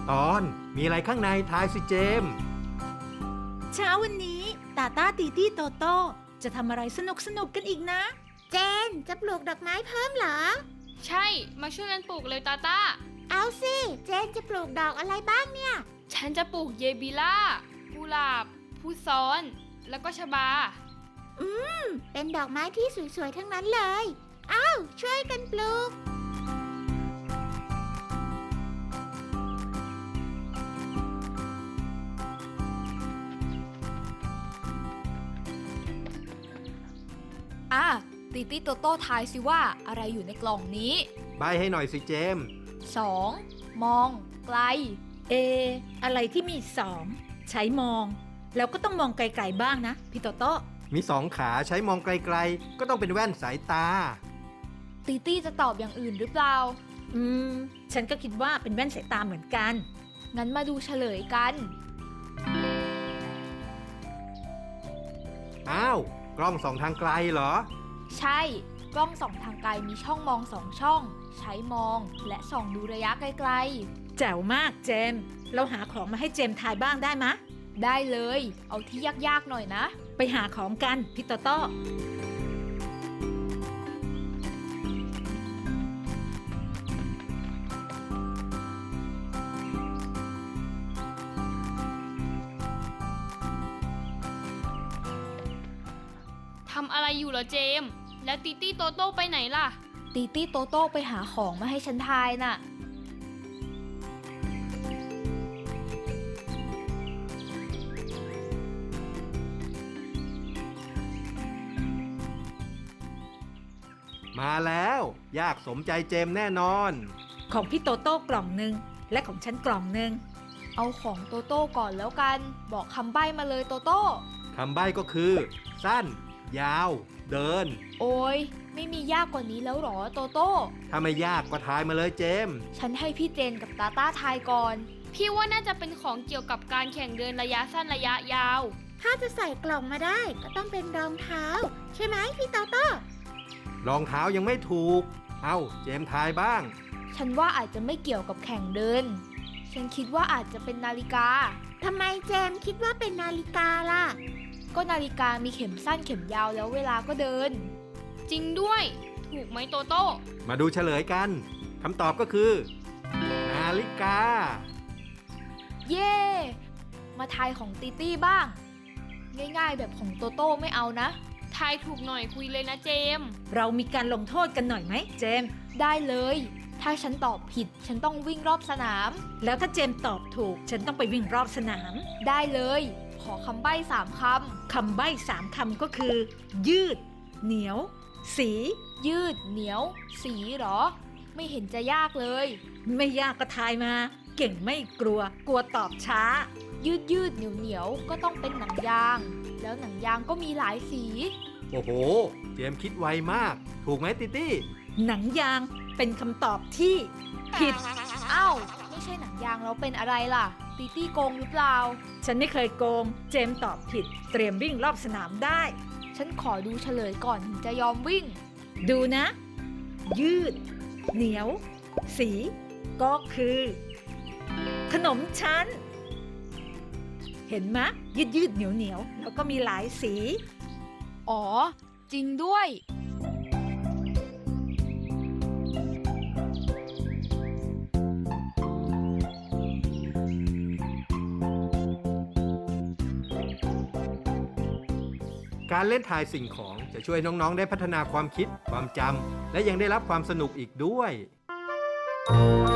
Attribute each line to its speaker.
Speaker 1: ตอนมีอะไรข้างในทายสิเจมส์
Speaker 2: เช้าวันนี้ตาต้าตีตี้โตโต้จะทำอะไรสนุกกันอีกนะ
Speaker 3: เจนจะปลูกดอกไม้เพิ่มเหรอ
Speaker 4: ใช่มาช่วยกันปลูกเลยตาต้า
Speaker 3: เอาสิเจนจะปลูกดอกอะไรบ้างเนี่ย
Speaker 4: ฉันจะปลูกเยบิล่ากุหลาบพุซ้อนแล้วก็ชบา
Speaker 3: เป็นดอกไม้ที่สวยๆทั้งนั้นเลยอ้าวช่วยกันปลูก
Speaker 5: ตีตี้โตโต้ทายสิว่าอะไรอยู่ในกล่องนี้
Speaker 1: ใบให้หน่อยสิเจมส์
Speaker 5: 2. มองไกล
Speaker 2: อะไรที่มี2ใช้มองแล้วก็ต้องมองไกลๆบ้างนะพี่โตโต้
Speaker 1: มี2ขาใช้มองไกลๆก็ต้องเป็นแว่นสายตา
Speaker 5: ตีตี้จะตอบอย่างอื่นหรือเปล่า
Speaker 2: ฉันก็คิดว่าเป็นแว่นสายตาเหมือนกัน
Speaker 5: งั้นมาดูเฉลยกัน
Speaker 1: อ้าวกล้องส่องทางไกลเหรอ
Speaker 5: ใช่กล้องส่องทางไกลมีช่องมอง2ช่องใช้มองและส่องดูระยะไกล
Speaker 2: ๆแจ๋วมากเจมเราหาของมาให้เจมทายบ้างได้มะ
Speaker 5: ได้เลยเอาที่ยากๆหน่อยนะ
Speaker 2: ไปหาของกันพี่โตโต้
Speaker 4: ทำอะไรอยู่เหรอเจมส์แล้วติตี้โตโต้ไปไหนล่ะ
Speaker 5: ตีตี้โตโต้ไปหาของมาให้ฉันทายน่ะ
Speaker 1: มาแล้วยากสมใจเจมส์แน่นอน
Speaker 2: ของพี่โตโต้กล่องนึงและของฉันกล่องนึง
Speaker 5: เอาของโตโต้ก่อนแล้วกันบอกคำใบ้มาเลยโตโต้
Speaker 1: คำใบ้ก็คือสั้นยาวเดิน
Speaker 5: โอ้ยไม่มียากกว่านี้แล้วหรอโตโต้
Speaker 1: ถ้าไม่ยากก็ทายมาเลยเจมส์
Speaker 5: ฉันให้พี่เจนกับตาต้าทายก่อน
Speaker 4: พี่ว่าน่าจะเป็นของเกี่ยวกับการแข่งเดินระยะสั้นระยะยาว
Speaker 3: ถ้าจะใส่กล่องมาได้ก็ต้องเป็นรองเท้าใช่ไหมพี่โตโต้
Speaker 1: รองเท้ายังไม่ถูกเอ้าเจมส์ทายบ้าง
Speaker 5: ฉันว่าอาจจะไม่เกี่ยวกับแข่งเดินฉันคิดว่าอาจจะเป็นนาฬิกา
Speaker 3: ทำไมเจมส์คิดว่าเป็นนาฬิกาล่ะ
Speaker 5: ก็นาฬิกามีเข็มสั้นเข็มยาวแล้วเวลาก็เดิน
Speaker 4: จริงด้วยถูกไหมโตโต้
Speaker 1: มาดูเฉลยกันคำตอบก็คือนาฬิกา
Speaker 5: เย่มาทายของตีตี้บ้างง่ายๆแบบของโตโต้ไม่เอานะ
Speaker 4: ทายถูกหน่อยคุยเลยนะเจมส์
Speaker 2: เรามีการลงโทษกันหน่อยไหมเจมส์
Speaker 5: ได้เลยถ้าฉันตอบผิดฉันต้องวิ่งรอบสนาม
Speaker 2: แล้วถ้าเจมส์ตอบถูกฉันต้องไปวิ่งรอบสนาม
Speaker 5: ได้เลยขอคำใบ้3ค
Speaker 2: ำใบ้3คำก็คือยืดเหนียวสี
Speaker 5: ยืดเหนียวสีหรอไม่เห็นจะยากเลย
Speaker 2: ไม่ยากก็ทายมาเก่งไม่กลัวตอบช้า
Speaker 5: ยืดเหนียวก็ต้องเป็นหนังยางแล้วหนังยางก็มีหลายสี
Speaker 1: โอ้โหเจมส์คิดไวมากถูกไหมติตี้
Speaker 2: หนังยางเป็นคำตอบที่ผิด
Speaker 5: อ้าวไม่ใช่หนังยางแล้วเป็นอะไรล่ะตีตี้โกงหรือเปล่า
Speaker 2: ฉันไม่เคยโกงเจมส์ตอบผิดเตรียมวิ่งรอบสนามได้
Speaker 5: ฉันขอดูเฉลยก่อนถึงจะยอมวิ่ง
Speaker 2: ดูนะยืดเหนียวสีก็คือขนมชั้นเห็นไหมยืดเหนียวแล้วก็มีหลายสี
Speaker 5: อ๋อจริงด้วย
Speaker 1: การเล่นทายสิ่งของจะช่วยน้องๆได้พัฒนาความคิดความจำและยังได้รับความสนุกอีกด้วย